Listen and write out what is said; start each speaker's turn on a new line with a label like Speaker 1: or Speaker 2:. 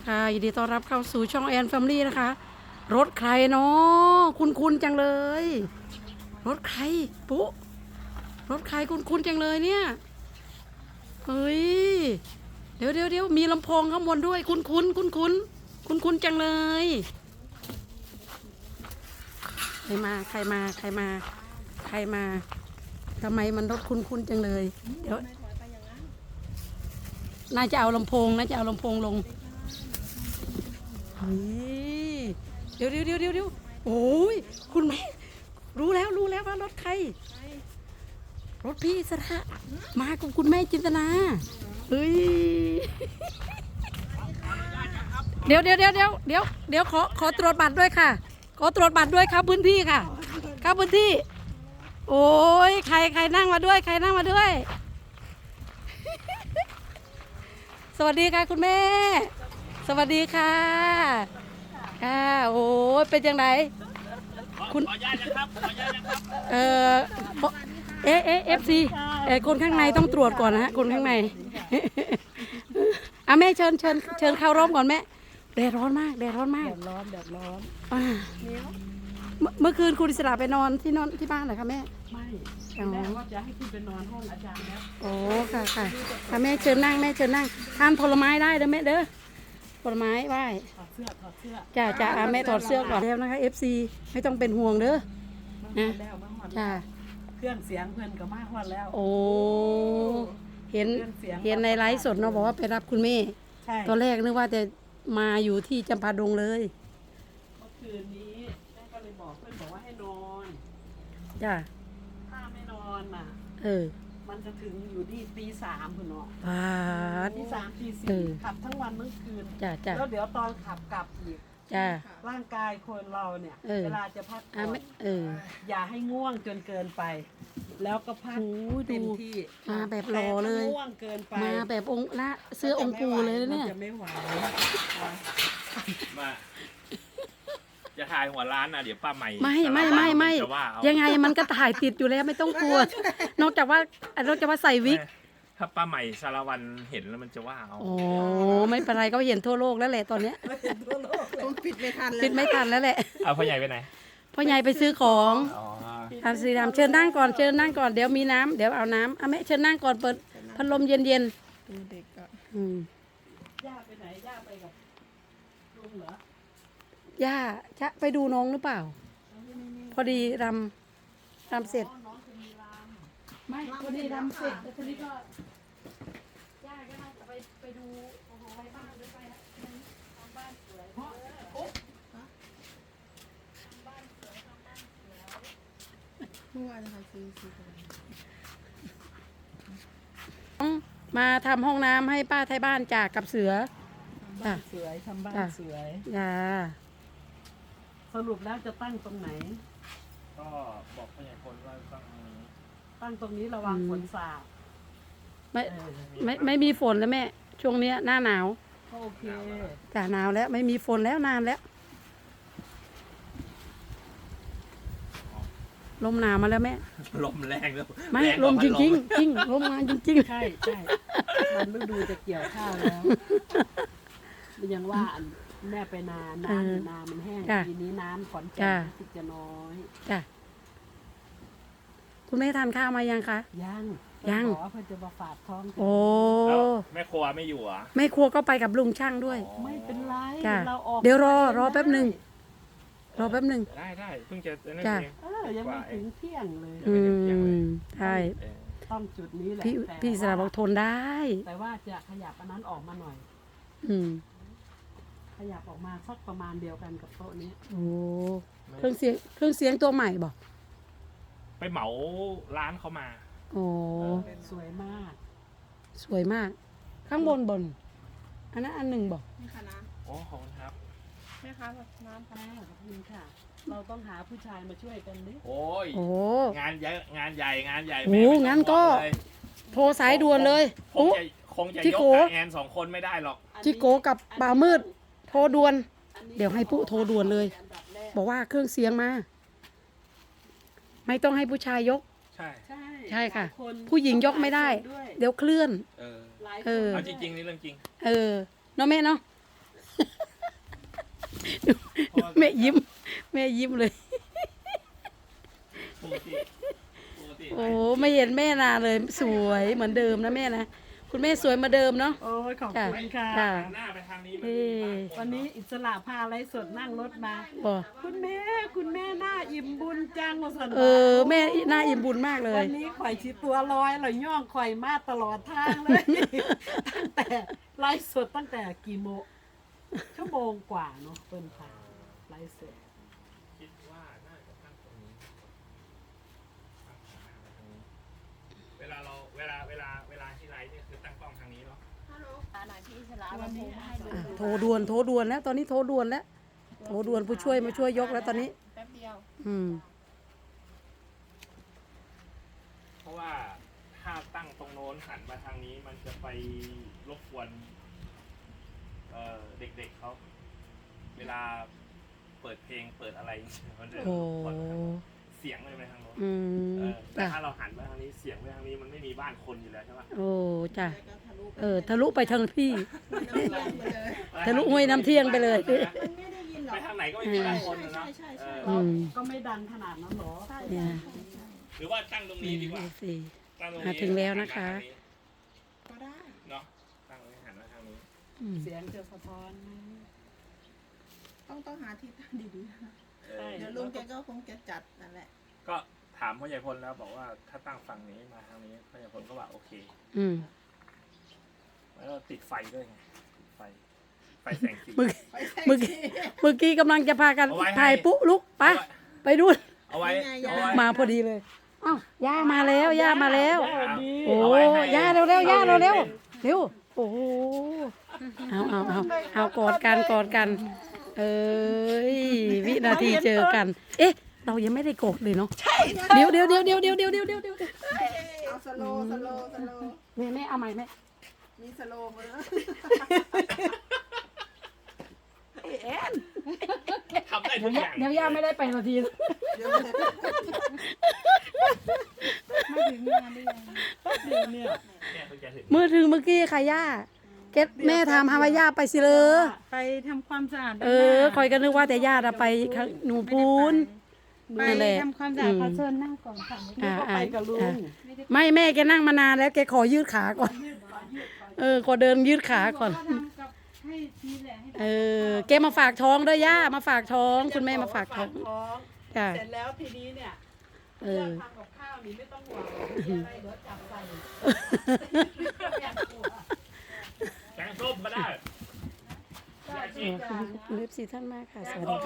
Speaker 1: ค่ะยินดีต้อนรับเข้าสู่ช่องแอนแฟมิลี่นะคะ รถใครเนาะคุ้นๆจังเลย รถใครปุ๊รถใครคุ้นๆจังเลยเนี่ยเฮ้ยเดี๋ยวมีลำโพงข้างบนด้วยคุ้นจังเลยใครมาทำไมมันรถคุ้นจังเลยเดี๋ยวน่าจะเอาลำโพงลงเฮ้ยเดี๋ยวโอ้ยคุณแม่รู้แล้วว่ารถใครรถพี่สระมากับคุณแม่จินตนาเฮ้ยเดี๋ยวขอตรวจบัตรด้วยค่ะขอตรวจบัตรด้วยครับพื้นที่ค่ะครับพื้นที่โอ้ยใครนั่งมาด้วยสวัสดีค่ะคุณแม่สวัสดีค่ะค่ะโอ้ยเป็นยังไงคุณขออนุญาตนะครับFC คนข้างในต้องตรวจก่อนนะฮะคนข้างในแม่เชิญเข้าร่มก่อนแม่แดดร้อนมากแดดร้อนเมื่อคืนคุณอิสระไปนอนที่บ้านเหรอคะแม่
Speaker 2: ไม่แม่ว่าจะให้ขึ้นไปนอนห้องอาจารย์แล้ว
Speaker 1: โอ้ค่ะแม่เชิญนั่งทานผลไม้ได้เด้อแม่เด้อผลไม้ไหว้
Speaker 2: ถอดเสื้อ
Speaker 1: จ้าแม่ถอดเสื้อก่อนแล้วนะคะ FC ไม่ต้องเป็นห่วงเด้อนะจ้า
Speaker 2: เครื่องเสียงเพื่อนก็มากฮอดแล้ว
Speaker 1: โอ้เห็นในไลฟ์สดเนาะบอกว่าไปรับคุณแม่ตอนแรกนึกว่าจะมาอยู่ที่จำปาดงเลย
Speaker 2: เมื่อคืนนี้แม่ก็เลยบอกเพื่อนบอกว่าให้นอน
Speaker 1: จ้า
Speaker 2: ถ้าไม่นอนมันจะถึงอยู่ที่ตี 3คุณเนาะตี 3 ตี 4ขับทั้งวันทั้งคืนแล้วเดี๋ยวตอนขับกลับอีกร่างกายคนเราเนี่ยเวลาจะพักผ่อนอย่าให้ง่วงจนเกินไปแล้วก็พักเต็มที่
Speaker 1: มาแบบรอเลย
Speaker 2: ง่วงเกินไป
Speaker 1: มาแบบองค์ละเสื้อองค์ปู่เลยเนี่ย
Speaker 2: จะไม่ไหว
Speaker 3: มาจะถ่ายหัวร้านนะเดี๋ยวป้าใหม่
Speaker 1: ไม่ยังไงมันก็ถ่ายติดอยู่แล้วไม่ต้องกลัวนอกจากว่าใส่วิก
Speaker 3: ถ้าป้าใหม่สารวันเห็นแล้วมันจะว่าเอา
Speaker 1: โอ้ไม่เป็นไรก็เห็นทั่วโลกแล้วแหละตอนเนี้ย
Speaker 2: ปิดไม่ทัน
Speaker 1: แล้วแหละ
Speaker 3: เอาพ่อใหญ่ไปไหน
Speaker 1: พ่อใหญ่ไปซื้อของสีดำเชิญนั่งก่อนเดี๋ยวมีน้ำเดี๋ยวเอาน้ำแม่เชิญนั่งก่อนเปิดพัดลมเย็น
Speaker 2: เด็กก็ย่าไปไหนย่าไปกับลุงเหร
Speaker 1: อย่าจะไปดูน้องหรือเปล่าพอดีรำเสร็จไม่พอดีรำเสร็จแต่ทีนี้ก็ย่าก็น่าจะไปดูไปบ้านหรือไปทำบ้านสวยทำบ้านสวยมาทำห้องน้ำให้ป้าไทยบ้านจากกับเสือ
Speaker 2: บ้านสวยทำบ้านสวยสรุปแล้วจะตั้งตรงไหน
Speaker 3: ก็บอกพ่อใหญ่คนว่า
Speaker 2: ตั้งตรงนี้ระวังฝนสาด
Speaker 1: ไม่มีฝนแล้วแม่ช่วงนี้หน้าหนาว
Speaker 2: โอเค
Speaker 1: จ้ะหนาวแล้วไม่มีฝนแล้วนานแล้วลมหนาวมาแล้วแม่
Speaker 3: ลมแรงแล้ว
Speaker 1: ไม่ลมจริงลมมาจริง
Speaker 2: ใช่มันฤดูจะเกี่ยวข้าวแล้วยังว่าแม่ไปนามันแห้งทีนี้น้ำขอนแก่นติดจะน้อย
Speaker 1: จ้ะคุณแม่ทานข้าวมายังคะ
Speaker 2: ยังขอเพื่อจะมาฝากท้อง
Speaker 1: โอ้
Speaker 3: แม่ครัวไม่อยู่อ่ะ
Speaker 1: แม่ครัวก็ไปกับลุงช่างด้วย
Speaker 2: ไม่เป็นไร
Speaker 1: เราออกเดี๋ยวรอแป๊บหนึ่ง
Speaker 3: ได้เพิ่งจะ
Speaker 2: จ้ะยังไม่ถึงเที่ยงเลย
Speaker 1: ใช่
Speaker 2: ต้องจุดนี้แหละ
Speaker 1: พี่สระบอกทนได้
Speaker 2: แต่ว่าจะขยับอันนั้นออกมาหน่อยขยับออกมาสักประมาณเดียวกันกับโต๊ะนี้
Speaker 1: โอ้เครื่องเสียงตัวใหม่บอก
Speaker 3: ไปเหมาร้านเขามา
Speaker 1: โอ้
Speaker 2: สวย
Speaker 1: มากข้างบนอันนั้นอันหนึ่งบอก
Speaker 2: นี่ค่ะน้ำ
Speaker 3: โอ้ขอบคุณครับ
Speaker 2: แม่คะน้ำค่ะขอบคุณค่ะเราต้องหาผู้ชายมาช่วยกันดิ
Speaker 3: โอ้งานเยอะงานใหญ่
Speaker 1: โอ้งั้นก็โทรสายด่วนเลย
Speaker 3: คงจะยกแอน2 คนไม่ได้หรอก
Speaker 1: จิโกกับบ่าวมืดโทรด่วนเดี๋ยวให้ปุ๊โทรด่วนเลยบอกว่าเครื่องเสียงมาไม่ต้องให้ผู้ชายยกใช่ค่ะผู้หญิงยกไม่ได้เดี๋ยวเคลื่อน
Speaker 3: เอาจริงนี่เรื่องจริง
Speaker 1: เนาะแม่เนาะแม่ยิ้ม แม่ยิ้มเลย
Speaker 3: ปกติปกติ
Speaker 1: โอ้ไม่เห็นแม่นานเลยสวยเหมือนเดิมนะแม่นะคุณแม่สวยเหมาเดิมเนาะ
Speaker 2: โอ้ยขอบคุณค่ะ
Speaker 1: จ้ะ
Speaker 3: หันหน้าไปทางนี้
Speaker 1: เอ้
Speaker 2: วันนี้อิสระพาอะไรสดนั่งรถมา
Speaker 1: บ่
Speaker 2: คุณแม่หน้าอิ่มบุญจังว่าสัน
Speaker 1: แม่น่าอิ่มบุญมากเลย
Speaker 2: วันนี้ข่อยชีตัวลอยเราย่องข่อยมาตลอดทางเลย ตั้งแต่ไลฟ์สดตั้งแต่กี่โมงชั่วโมงกว่าเนาะเปิ้นค่ะไลฟ์สด
Speaker 3: คิดว่าน่าจะตั้งตรงนี้ตั้งขามาทางนี้เวลาที่ไลฟ์เนี่ยคือตั้งกล้องทางนี้เนาะ
Speaker 4: หน่อยพี่อิสระวันนี้ให้ดู
Speaker 1: โทรด่วนแล้วตอนนี้โทรด่วนแล้วโทรด่วนผู้ช่วยมาช่วยยกแล้วตอนนี้
Speaker 4: แป๊บเดียว
Speaker 1: อืม
Speaker 3: เพราะว่าถ้าตั้งตรงโน้นหันมาทางนี้มันจะไปรบกวนเด็กๆเขาเวลาเปิดเพลงเปิดอะไรมันจะร
Speaker 1: โอ้
Speaker 3: บกวนเสียงเลยไปทางโน้น
Speaker 1: อืม
Speaker 3: แต่
Speaker 1: จ้ะ
Speaker 3: ถ้าเราหันมาทางนี้เสียงไปทางนี้มันไม่มีบ้านคนอยู่แล้วใช่ปะ
Speaker 1: โอ้จ้ะทะลุไปทางพี่ ทะลุห้วยน้ำเที่ยงไปเลย
Speaker 3: ไปทางไหนก็ไม่มีบ้านคนนะเนาะเออ
Speaker 1: อืม
Speaker 2: ก็ไม่ดังขนาดนั้นหรอ
Speaker 1: เนี่ย
Speaker 3: หรือว่าตั้งตรงนี้ดีกว่า
Speaker 1: สิ
Speaker 3: ตั้งตรง
Speaker 1: มา
Speaker 3: นี้
Speaker 1: ถึงแล้วนะคะ
Speaker 4: ก็ได้
Speaker 3: เนาะตั้งตรงนี้หันมาทางนี้
Speaker 1: อืม
Speaker 2: เสียงจะสะท้อนไหม
Speaker 4: ต้องหาที่ตั้งดีๆนะ
Speaker 3: เออ
Speaker 4: เดี๋ยวลุงแกก็คงจะจัดนั่นแหละ
Speaker 3: ก็ถามพ่อใหญ่พลแล้วบอกว่าถ้าตั้งฝั่งนี้มาทางนี้พ่อใหญ่พลก็ว่าโอเค
Speaker 1: อืม
Speaker 3: แล้วก็ติดไฟด้วยไงติดไฟแสงสี
Speaker 1: เมื่อกี้กำลังจะพากัน
Speaker 3: เอาไว้ให้
Speaker 1: ถ่ายปุ๊ลุกไปไปดู
Speaker 3: เอาไว้
Speaker 4: ยังไง
Speaker 3: เอาไว้
Speaker 1: มาพอดีเลยอ้าวย่ามาแล้วย่ามาแล้ว โอ้
Speaker 3: เอาไว้ให้
Speaker 1: ย่าเร็วเร็วย่าเร็วเร็วเร็วโอ้โหเอากอดกัน เอ้ยวินาทีเจอกัน เอ๊ะ เรายังไม่ได้กดเลยเนาะใช่เดี๋ยว
Speaker 4: เอาสโลว์
Speaker 1: แม่เอาใหม่แม่
Speaker 4: มีสโลว์มาแล้ว
Speaker 1: แอน
Speaker 3: ทำได้ทุกอย่าง
Speaker 1: เดี๋ยวย่าไม่ได้ไปนาที
Speaker 4: เดี๋ยว
Speaker 2: ไม่ถึงงานได้ยังเดี๋ยวเนี่ย
Speaker 3: เนี่ยเพิ่งจะถึง
Speaker 1: มือถึงเมื่อกี้ค่ะย่าเก็ตแม่ถามหาว่าย่าไปสิเลย
Speaker 2: ไปทำความสะอาด
Speaker 1: คอยก็นึกว่าแต่ย่าจะไปหนูปูน
Speaker 2: ไป
Speaker 1: นั่นแหละ
Speaker 2: ทำความสะอาดขอเชิญนั่งก่อนค่ะ
Speaker 1: ไป
Speaker 2: กับลุง
Speaker 1: ไม่แม่แกนั่งมานานแล้วแกขอยืดขาก่อนขอเดินยืดขาก่อน
Speaker 2: ให้ทีแหละให้
Speaker 1: แกมาฝากท้องด้วยย่ามาฝากท้องคุณแม่มาฝากท้องจ้ะ
Speaker 2: เสร็จแล้วทีนี้เนี่ย
Speaker 1: เอ
Speaker 2: เรื่อ
Speaker 1: อ
Speaker 2: งทำกับข้าวนี่ไม่ต้องห่วงมีอะไรเดี๋ยวจับใส่
Speaker 3: แกงส้มก็ได้
Speaker 1: ขอบคุณเล็บสีท่านมากค่ะสวัสดีค่ะ